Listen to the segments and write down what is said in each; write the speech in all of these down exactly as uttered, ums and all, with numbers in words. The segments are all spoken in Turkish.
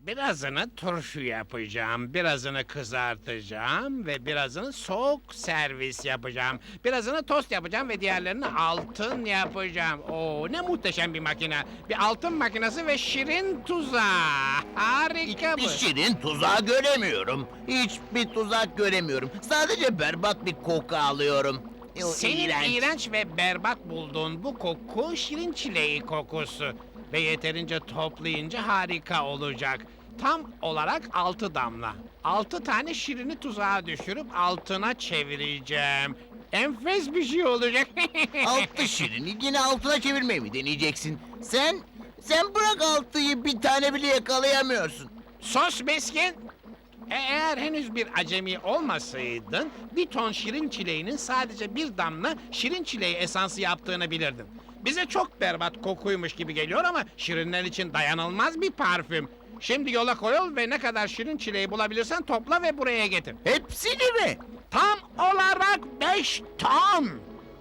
Birazını turşu yapacağım, birazını kızartacağım ve birazını soğuk servis yapacağım. Birazını tost yapacağım ve diğerlerini altın yapacağım. Oo, ne muhteşem bir makine. Bir altın makinesi ve şirin tuzağı. Harika bu. Hiçbir şirin tuzağı göremiyorum. Hiçbir tuzak göremiyorum. Sadece berbat bir koku alıyorum. O Senin iğrenç. iğrenç ve berbat bulduğun bu koku şirin çileği kokusu. Ve yeterince toplayınca harika olacak. Tam olarak altı damla. Altı tane şirini tuzağa düşürüp altına çevireceğim. Enfes bir şey olacak. Altı şirini yine altına çevirmeyi mi deneyeceksin? Sen, sen bırak altıyı bir tane bile yakalayamıyorsun. Sos Beskin. E, Eğer henüz bir acemi olmasaydın, bir ton şirin çileğinin sadece bir damla şirin çileği esansı yaptığını bilirdin. Bize çok berbat kokuymuş gibi geliyor ama şirinler için dayanılmaz bir parfüm. Şimdi yola koyul ve ne kadar şirin çileği bulabilirsen topla ve buraya getir. Hepsini mi? Tam olarak beş ton.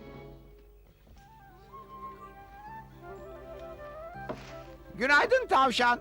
Günaydın tavşan.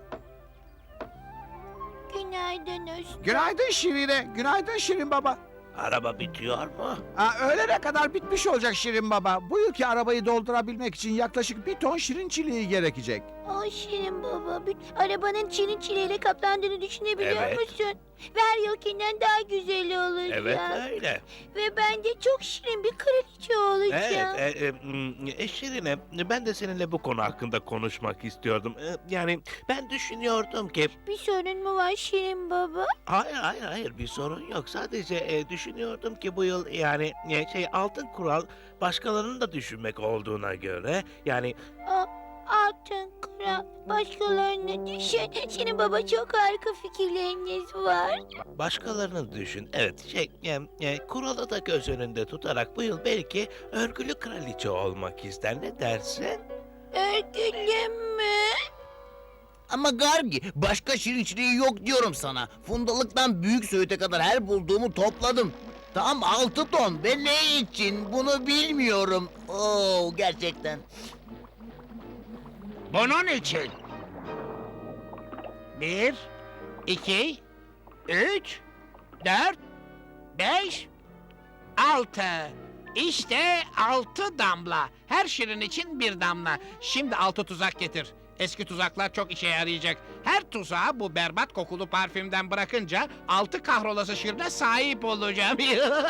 Günaydın Usta. Günaydın Şirine. Günaydın Şirin baba. Araba bitiyor mu? Aa, öğlene kadar bitmiş olacak Şirin baba. Bu yılki arabayı doldurabilmek için yaklaşık bir ton şirin çileği gerekecek. Ay Şirin baba, bir arabanın çinin çileyle kaplandığını düşünebiliyor Evet. musun? Ve her yılkinden daha güzel olacak. Evet öyle. Ve ben de çok şirin bir kraliçe olacağım. Evet, e, e, m, e, Şirine, ben de seninle bu konu hakkında konuşmak istiyordum. E, Yani ben düşünüyordum ki... Bir sorun mu var Şirin baba? Hayır, hayır, hayır bir sorun yok. Sadece e, düşünüyordum ki bu yıl yani e, şey altın kural başkalarının da düşünmek olduğuna göre... Yani Aa, altın kral, başkalarını düşün. Şirin baba çok harika fikirleriniz var. başkalarını düşün. Evet, şey, e, e, kuralı da göz önünde tutarak bu yıl belki örgülü kraliçe olmak ister. Ne dersin? Örgülü mü? Ama Gargi, başka şirin çileği yok diyorum sana. Fundalıktan büyük söğüte kadar her bulduğumu topladım. Tam altı ton ve ne için bunu bilmiyorum. Oo, gerçekten. Bunun için. Bir, iki, üç, dört, beş, altı. İşte altı damla. Her şirin için bir damla. Şimdi altı tuzak getir. Eski tuzaklar çok işe yarayacak. Her tuzağı bu berbat kokulu parfümden bırakınca altı kahrolası şirine sahip olacağım.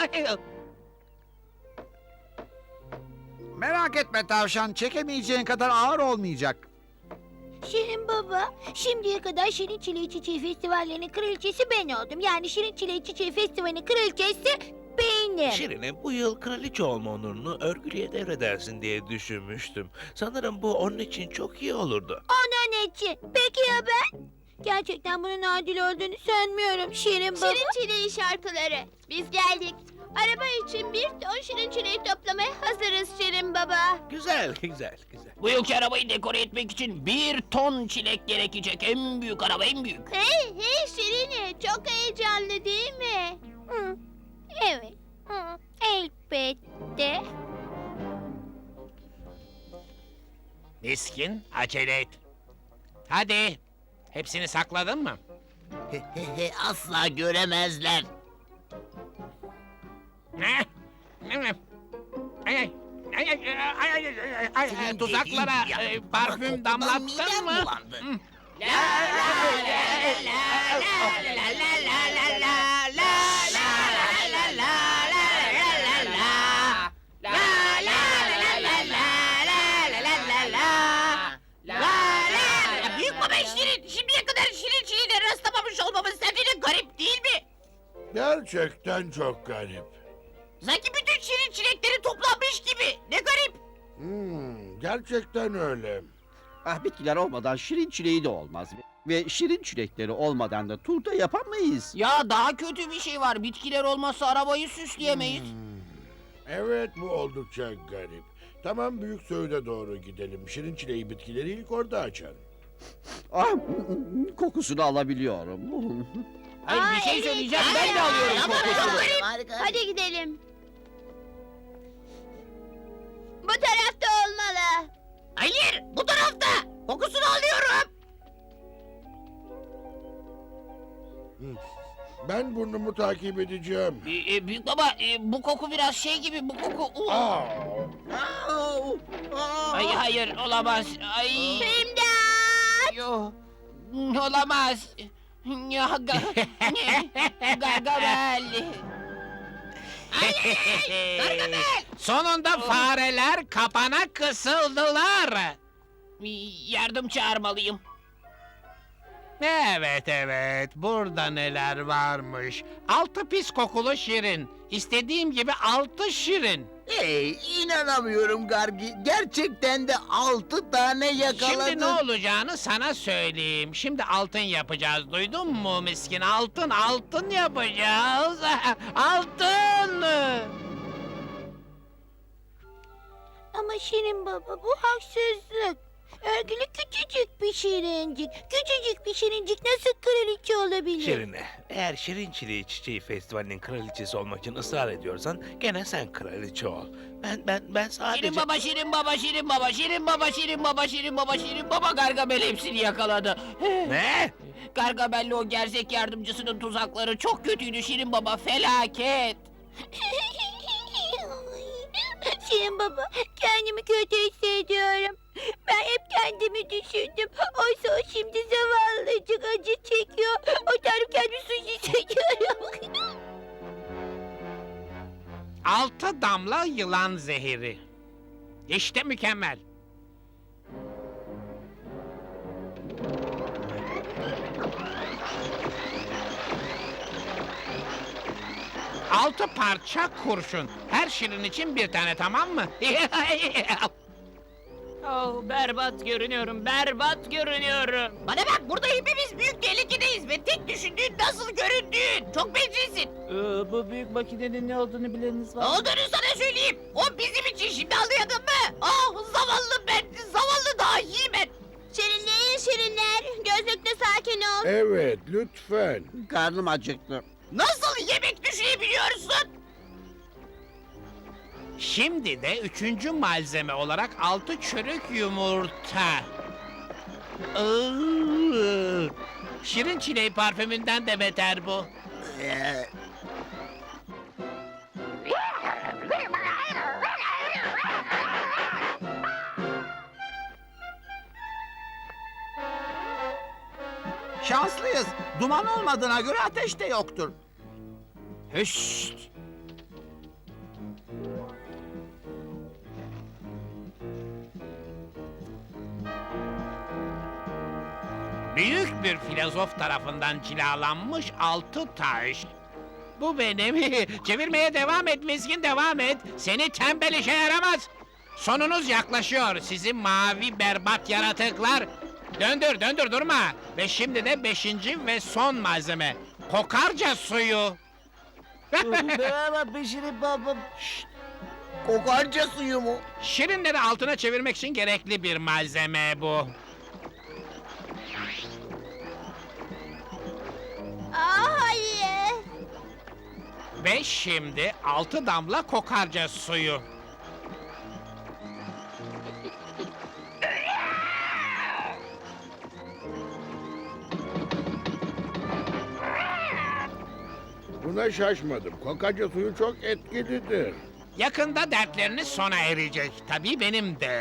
Merak etme tavşan. Çekemeyeceğin kadar ağır olmayacak. Şirin baba, şimdiye kadar Şirin Çileği Çiçeği Festivallerinin kraliçesi ben oldum. Yani Şirin Çileği Çiçeği Festivali'nin kraliçesi benim. Şirine bu yıl kraliçe olma onurunu örgülüye devredersin diye düşünmüştüm. Sanırım bu onun için çok iyi olurdu. Onun için. Peki ya ben? Gerçekten bunun adil olduğunu sanmıyorum Şirin baba. Şirin çileği şarkıları. Biz geldik. Araba için bir ton şirin çileği toplamaya hazırız Şirin baba. Güzel, güzel, güzel. Bu yılki arabayı dekore etmek için bir ton çilek gerekecek. En büyük araba, en büyük. Hey hey Şirini, çok heyecanlı değil mi? Hı, evet. Hı, elbette. Miskin, acele et. Hadi. Hepsini sakladın mı? He he he, asla göremezler. Ne? Ne? Ay ay. Ay ay ay ay ay ay ay Senin tuzaklara dediğin e, yapma, parfüm kokudan damlattın midem mı? bulandı. Hı. Ya büyük baba Şirin, şimdiye kadar Şirin Çiğ'de rastlamamış olmamız sence de garip değil mi? Gerçekten çok garip. Sanki bütün Şirin çilekleri toplanmış gibi. Ne garip. Hmm, gerçekten öyle. Ah, bitkiler olmadan şirin çileği de olmaz. Ve şirin çilekleri olmadan da turda yapamayız. Ya daha kötü bir şey var. Bitkiler olmazsa arabayı süsleyemeyiz. Evet, bu oldukça garip. Tamam, büyük söğüde doğru gidelim. Şirin çileği bitkileri ilk orada açar. Ah, kokusunu alabiliyorum. Hayır bir şey söyleyeceğim. Ben de alıyorum kokusunu. Harika. Hadi gidelim. Bu tarafta olmalı. Hayır bu tarafta. Kokusunu alıyorum. Bu tarafta olmalı. Hadi gidelim. Bu tarafta olmalı. Hayır, bu tarafta. Bu tarafta olmalı. Hayır, bu tarafta. Hayır, hayır, hayır, hayır, hayır, hayır, hayır, hayır, hayır, hayır, hayır, hayır, hayır, hayır, bu tarafta. Kokusunu alıyorum. Ben burnumu takip edeceğim. E, e, büyük baba e, bu koku biraz şey gibi bu koku. Uh. Aa, Ay hayır olamaz. Ay. İmdat! Yo. Olamaz. Ya ga, Gargamel. Sonunda fareler kapana kısıldılar. Yardım çağırmalıyım. Evet evet, burada neler varmış. Altı pis kokulu şirin. İstediğim gibi altı şirin. Hey, inanamıyorum Gargi. Gerçekten de altı tane yakaladın. Şimdi ne olacağını sana söyleyeyim. Şimdi altın yapacağız, duydun mu miskin? Altın, altın yapacağız. Altın! Ama Şirin Baba bu haksızlık. Örgülü küçücük bir şirincik. Küçücük bir şirincik nasıl kraliçe olabilir? Şirine, eğer Şirin Çileği Çiçeği Festivali'nin kraliçesi olmak için ısrar ediyorsan gene sen kraliçe ol. Ben ben ben sadece... Şirin baba, Şirin baba, Şirin baba, Şirin baba, Şirin baba, Şirin baba, Şirin baba Gargamel hepsini yakaladı. Ne? Gargamel'le o gerzek yardımcısının tuzakları çok kötüydü Şirin baba, felaket. Şirin Baba, kendimi kötü hissediyorum. Ben hep kendimi düşündüm. Oysa o şimdi zavallıcık acı çekiyor. O tanrım kendimi suç hissediyorum. Altı damla yılan zehiri. İşte mükemmel. Altı parça kurşun. Her şirin için bir tane, tamam mı? Oh, berbat görünüyorum, berbat görünüyorum. Bana bak, burada hepimiz büyük tehlikedeyiz ve tek düşündüğün nasıl göründüğün. Çok bencilsin. Ee, bu büyük makinenin ne olduğunu bileniniz Ne var mı? olduğunu sana söyleyeyim. O bizim için, şimdi anlayadın mı? Ah, zavallı ben, zavallı dahi ben. Şirinleyin şirinler. Gözlükle sakin ol. evet, lütfen. Karnım acıktı. Nasıl yemek düşünebiliyorsun? Şimdi de üçüncü malzeme olarak altı çürük yumurta. Iıı, Şirin çileği parfümünden de beter bu. Ee, Şanslıyız. Duman olmadığına göre ateş de yoktur. Hüşt! Büyük bir filozof tarafından cilalanmış altı taş. Bu benim. Çevirmeye devam et miskin, devam et. Seni tembel işe yaramaz. Sonunuz yaklaşıyor sizin mavi berbat yaratıklar. Döndür döndür durma. Ve şimdi de beşinci ve son malzeme. Kokarca suyu. Merhaba Şirin baba. kokarca suyu mu? Şirinleri altına çevirmek için gerekli bir malzeme bu. Aa, hayır. Ve şimdi altı damla kokarca suyu. Buna şaşmadım. Kokarca suyu çok etkilidir. Yakında dertleriniz sona erecek. Tabii benim de.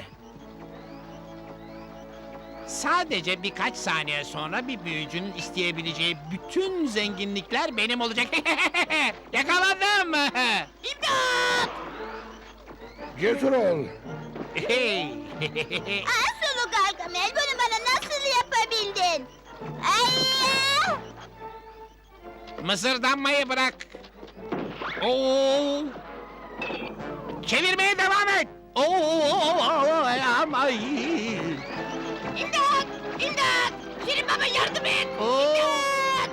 Sadece birkaç saniye sonra bir büyücünün isteyebileceği bütün zenginlikler benim olacak. Yakaladım. İmdat! Cesur ol. Hey. Aa, sulu Gargamel, bunu bana nasıl yapabildin? Ay! Mısırdanmayı bırak. Oo. Çevirmeye devam et. Oo, ama iyi. İmdat! İmdat! Şirin baba yardım et! Oo. İmdat!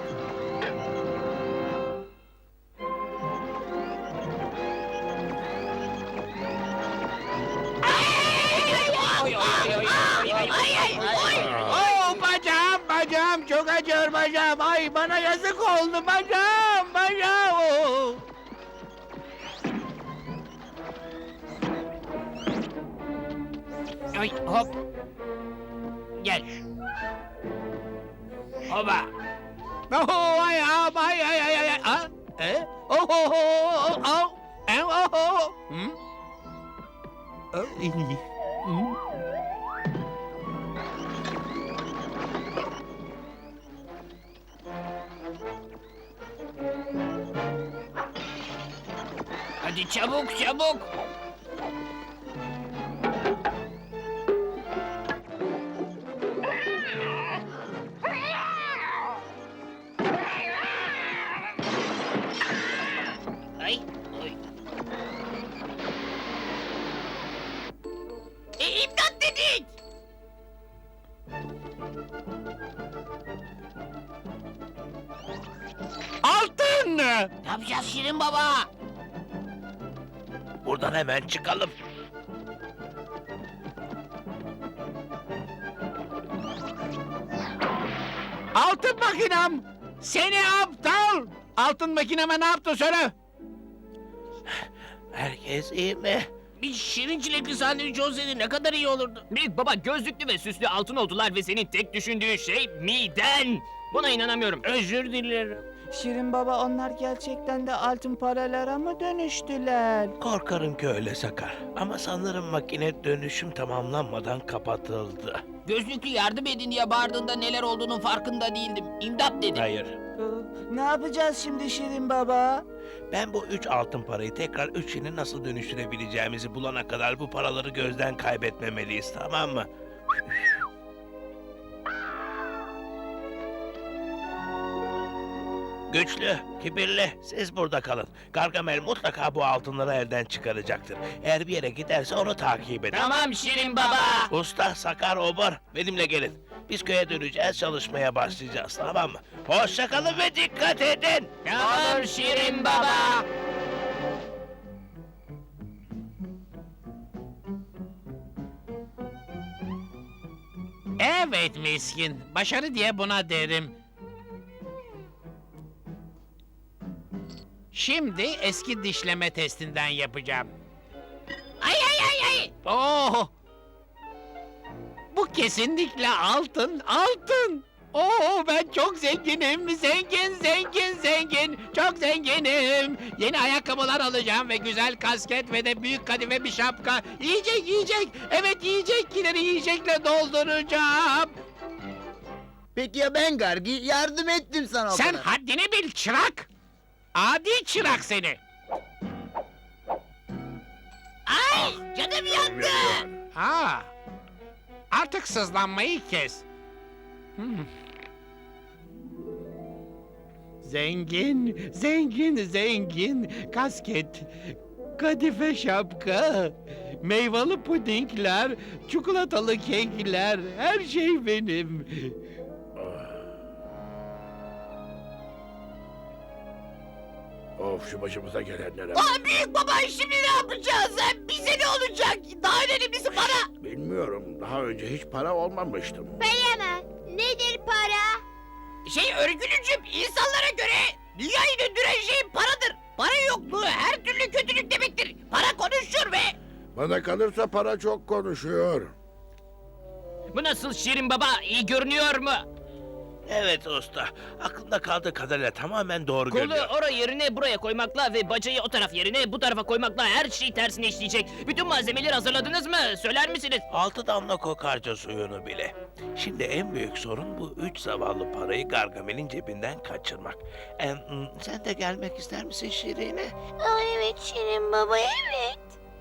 Ay, ay, ay, ay, ay, ay, ay. Oo, bacağım, bacağım, çok acıyor bacağım. Ay, bana yazık oldu bacağım, bacağım. Oo. Ay, hop. Gel. Hoba. Oh, ayağım, ay, ay, ay, ay, ay. Ah, e? Oh, oh, oh, oh, oh. E, oh, oh. Hmm? Oh, iyi. Hmm. Hadi çabuk, çabuk. Ay, oy. E, imdat dedik. Altın! Ne yapacağız Şirin Baba? Buradan hemen çıkalım. Altın makinem! Seni aptal! Altın makineme ne yaptı söyle? Herkes iyi mi? Bir şirin çilekli sandviç olsaydı ne kadar iyi olurdu. Büyük baba gözlüklü ve süslü altın oldular ve senin tek düşündüğün şey miden. Buna inanamıyorum. Özür dilerim. Şirin baba onlar gerçekten de altın paralara mı dönüştüler? Korkarım ki öyle Sakar. Ama sanırım makine dönüşüm tamamlanmadan kapatıldı. Gözlüklü yardım edin diye bağırdığında neler olduğunun farkında değildim. İmdat dedi. Hayır. Ee, Ne yapacağız şimdi Şirin baba? Ben bu üç altın parayı tekrar üç yeni nasıl dönüştürebileceğimizi bulana kadar bu paraları gözden kaybetmemeliyiz, tamam mı? Güçlü, kibirli, siz burada kalın. Gargamel mutlaka bu altınları elden çıkaracaktır. Eğer bir yere giderse onu takip edin. Tamam Şirin baba. Usta, Sakar, Obur, benimle gelin. Biz köye döneceğiz, çalışmaya başlayacağız, tamam mı? Hoşça kalın ve dikkat edin. Tamam Şirin baba. Evet miskin. Başarı diye buna derim. Şimdi eski dişleme testinden yapacağım. Ay ay ay ay. Oh! Bu kesinlikle altın, altın. Oo, ben çok zenginim, zengin, zengin, zengin, çok zenginim. Yeni ayakkabılar alacağım ve güzel kasket ve de büyük kadife bir şapka. Yiyecek, yiyecek, evet yiyecekleri yiyecekle dolduracağım. Peki ya ben Gargi? Yardım ettim sana o Sen kadar. haddini bil çırak. Adi çırak seni. Ay, canım yandı. Ha, artık sızlanmayı kes. Hmm. Zengin, zengin, zengin. Kasket, kadife şapka, meyveli pudingler, çikolatalı kekler, her şey benim. Of, şu başımıza gelenlere. Aa, büyük baba şimdi ne yapacağız? Bize ne olacak? Daha önemlisi para. Bilmiyorum, daha önce hiç para olmamıştım. Para mı? Nedir para? Şey örgülücüm insanlara göre dünyayı döndüren şey paradır. Para yokluğu her türlü kötülük demektir. Para konuşur ve... Bana kalırsa para çok konuşuyor. Bu nasıl Şirin baba? İyi görünüyor mu? Evet usta, aklımda kaldığı kadarıyla tamamen doğru Kolu görünüyor. oraya yerine buraya koymakla ve bacayı o taraf yerine bu tarafa koymakla her şey tersine işleyecek. Bütün malzemeleri hazırladınız mı? Söyler misiniz? Altı damla kokarca suyunu bile. Şimdi en büyük sorun bu üç zavallı parayı Gargamel'in cebinden kaçırmak. Em, sen de gelmek ister misin Şirine? Aa, evet Şirin baba evet.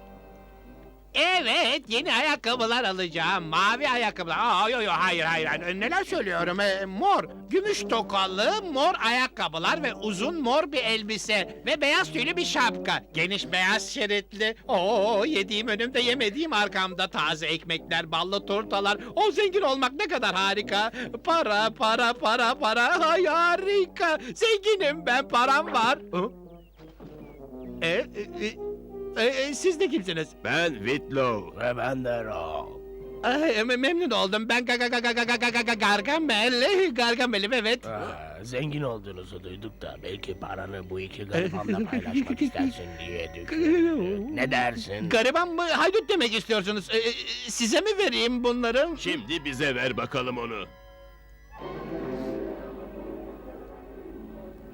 Evet, yeni ayakkabılar alacağım. Mavi ayakkabılar. Aa, yo, yo, hayır, hayır, hayır. Neler söylüyorum? Ee, mor, gümüş tokalı, mor ayakkabılar ve uzun mor bir elbise ve beyaz tüylü bir şapka. Geniş beyaz şeritli. Oo, yediğim önümde, yemediğim arkamda. Taze ekmekler, ballı turtalar. O zengin olmak ne kadar harika. Para, para, para, para. Ay, harika. Zenginim ben, param var. Hı? E, e, e, e, e, siz de kimsiniz? Ben Whitlow. Ve ben de Rob. Ay, me- memnun oldum. Ben ga ga ga ga ga ga ga ga Gargamel. Gargamel'im evet. Aa, zengin olduğunuzu duyduk da belki paranı bu iki garibanla paylaşmak istersin diye düşündük. Ne dersin? Gariban mı? Haydut demek istiyorsunuz. Ee, e, size mi vereyim bunları? Şimdi bize ver bakalım onu.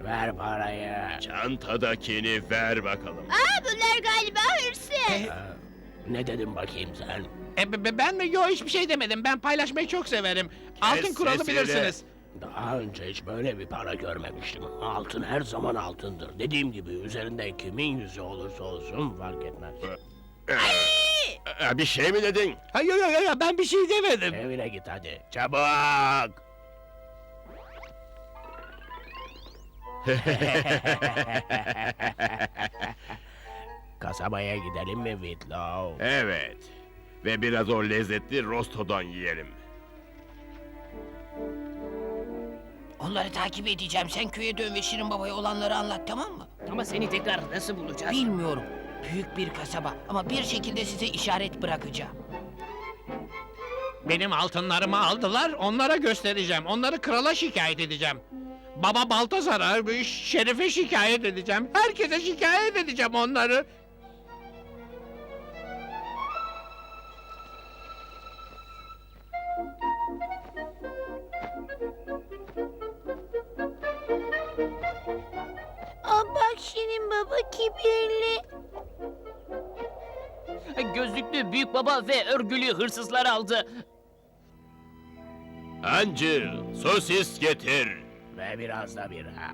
Ver parayı. Çantadakini ver bakalım. Aa, bunlar galiba hırsız. Ne dedim bakayım sen? E, be- be- ben mi? Yo hiçbir şey demedim. Ben paylaşmayı çok severim. Altın kuralı sesini. bilirsiniz. Daha önce hiç böyle bir para görmemiştim. Altın her zaman altındır. Dediğim gibi üzerinde kimin yüzü olursa olsun fark etmez. Ee, bir şey mi dedin? Hayır yok yok yo, ben bir şey demedim. Evine git hadi. Çabuk! Kasabaya gidelim mi Whitlow? Evet. Ve biraz o lezzetli rostodan yiyelim. Onları takip edeceğim. Sen köye dön ve Şirin Baba'ya olanları anlat, tamam mı? Ama seni tekrar nasıl bulacağız? Bilmiyorum. Büyük bir kasaba ama bir şekilde size işaret bırakacağım. Benim altınlarımı aldılar, onlara göstereceğim. Onları krala şikayet edeceğim. Baba Baltazar'a, Şerif'e şikayet edeceğim. Herkese şikayet edeceğim onları. Aa, bak Şirin Baba kibirli. Gözlüklü büyük baba ve örgülü hırsızlar aldı. Hancı, sosis getir. Ve biraz da bira.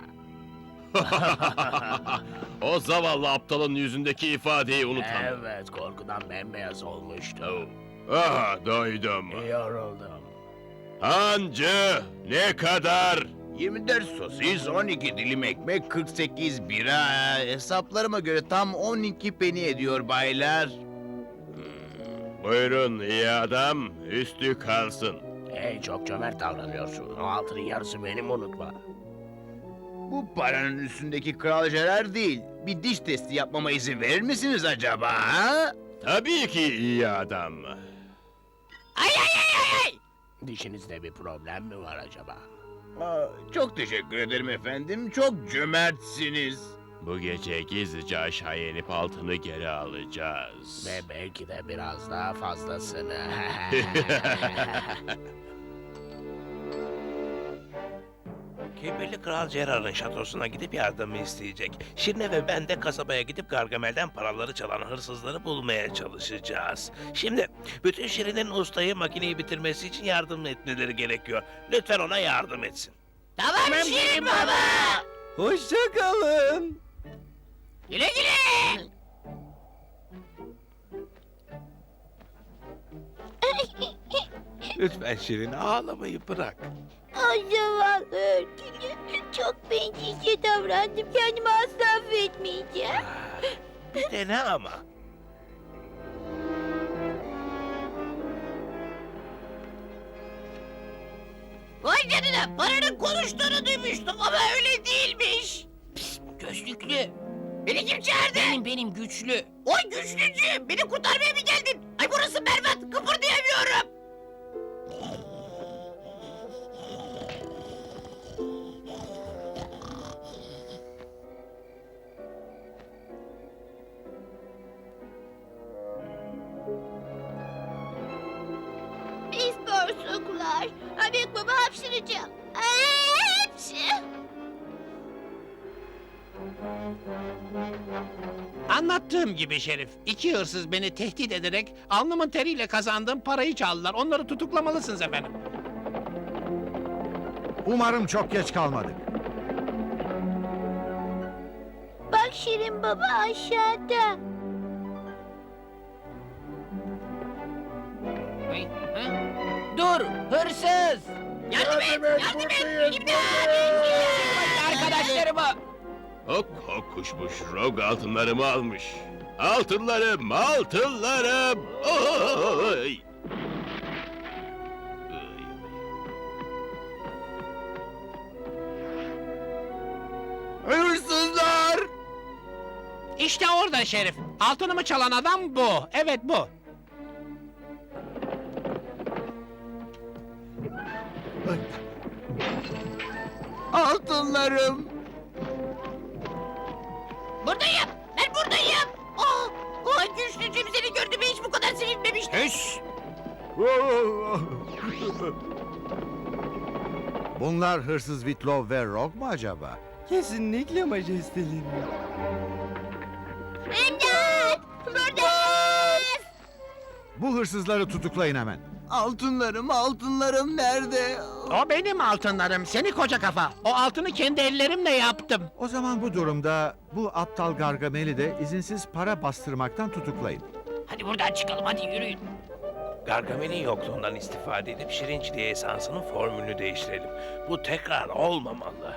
O zavallı aptalın yüzündeki ifadeyi unutamam. Evet, korkudan bembeyaz olmuştu. Ah, doydum. Yoruldum. Hancı, ne kadar? yirmi dört sosis, on iki dilim ekmek, kırk sekiz bira. Hesaplarıma göre tam on iki peni ediyor baylar. Buyurun iyi adam, üstü kalsın. Hey, çok cömert davranıyorsun. O altının yarısı benim, unutma. Bu paranın üstündeki Kral Gerard değil. Bir diş testi yapmama izin verir misiniz acaba? Ha? Tabii ki iyi adam. Dişinizde bir problem mi var acaba? Aa, çok teşekkür ederim efendim. Çok cömertsiniz. Bu gece gizlice aşağıya inip altını geri alacağız. Ve belki de biraz daha fazlasını. Kibirli Kral Gerard'ın şatosuna gidip yardımı isteyecek. Şirine ve ben de kasabaya gidip Gargamel'den paraları çalan hırsızları bulmaya çalışacağız. Şimdi bütün Şirin'in ustayı makineyi bitirmesi için yardım etmeleri gerekiyor. Lütfen ona yardım etsin. Tamam, Şirin Baba. Hoşça kalın. Güle güle. Lütfen Şirin, ağlamayı bırak. Ay zavallı örgülü. Çok bencilce davrandım. Kendimi asla affetmeyeceğim. Bir dene ama. Vay canına, paranın konuştuğunu duymuştum ama öyle değilmiş. Pis, gözlüklü. Beni kim çağırdı? Benim, benim güçlü. Oy güçlücü, beni kurtarmaya mı geldin? Ay burası berbat, kıpırdayamıyorum. Biz borsuklar. Ha, büyük baba hapşıracağım. Aa, hapşı. Anlattığım gibi Şerif, iki hırsız beni tehdit ederek alnımın teriyle kazandığım parayı çaldılar. Onları tutuklamalısınız efendim. Umarım çok geç kalmadık. Bak Şirin Baba aşağıda. Ay, ha? Dur, hırsız. Yardım et, yardım et. İmdat. Arkadaşlarıma. Hok hok kuşmuş, Rog altınlarımı almış. Altınlarım, altınlarım! Oy! Hırsızlar! İşte orada Şerif. Altınımı çalan adam bu. Evet bu. Altınlarım! Buradayım, ben buradayım. Oh, oh güçlücüm, seni gördüğüme hiç bu kadar sevinmemiştim. Bunlar hırsız Whitlow ve Rogue mu acaba? Kesinlikle majesteleri. İmdat! Buradayız! Bu hırsızları tutuklayın hemen. Altınlarım, altınlarım nerede? O benim altınlarım, seni koca kafa. O altını kendi ellerimle yaptım. O zaman bu durumda bu aptal Gargamel'i de izinsiz para bastırmaktan tutuklayın. Hadi buradan çıkalım, hadi yürüyün. Gargamel'in yokluğundan istifade edip şirinçliğe esansının formülünü değiştirelim. Bu tekrar olmamalı.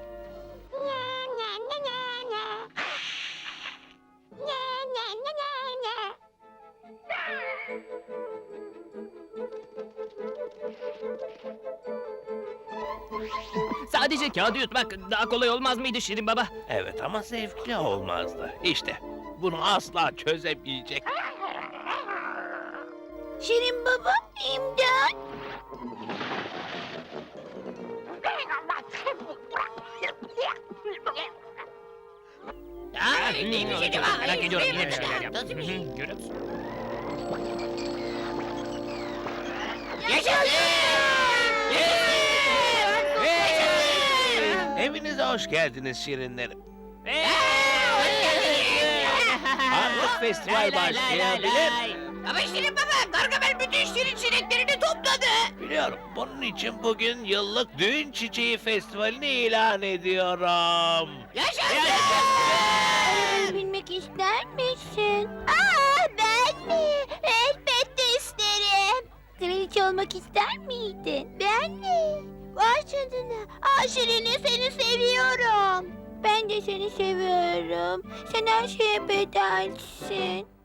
Sadece kağıdı yutmak daha kolay olmaz mıydı Şirin Baba? Evet ama zevkli olmazdı. İşte bunu asla çözemeyecek. Şirin baba, imdat. Ha, neymiş acaba? Merak ediyorum, yine bir şeyler yap. Nasıl bir şey? Görüyor musun? Evinize hoş geldiniz şirinlerim. Artık festival başlayabilir. Ama Şirin Baba, Gargamel bütün şirin çileklerini topladı. Biliyorum. Bunun için bugün yıllık düğün çiçeği festivalini ilan ediyorum. Yaşasın! Arabayı binmek ister misin? Aa, ben mi? Elbette isterim. Kraliçe olmak ister miydin? Ben mi? Vay canına. Aa Şirin'i seni seviyorum. Ben de seni seviyorum. Sen her şeye bedelsin.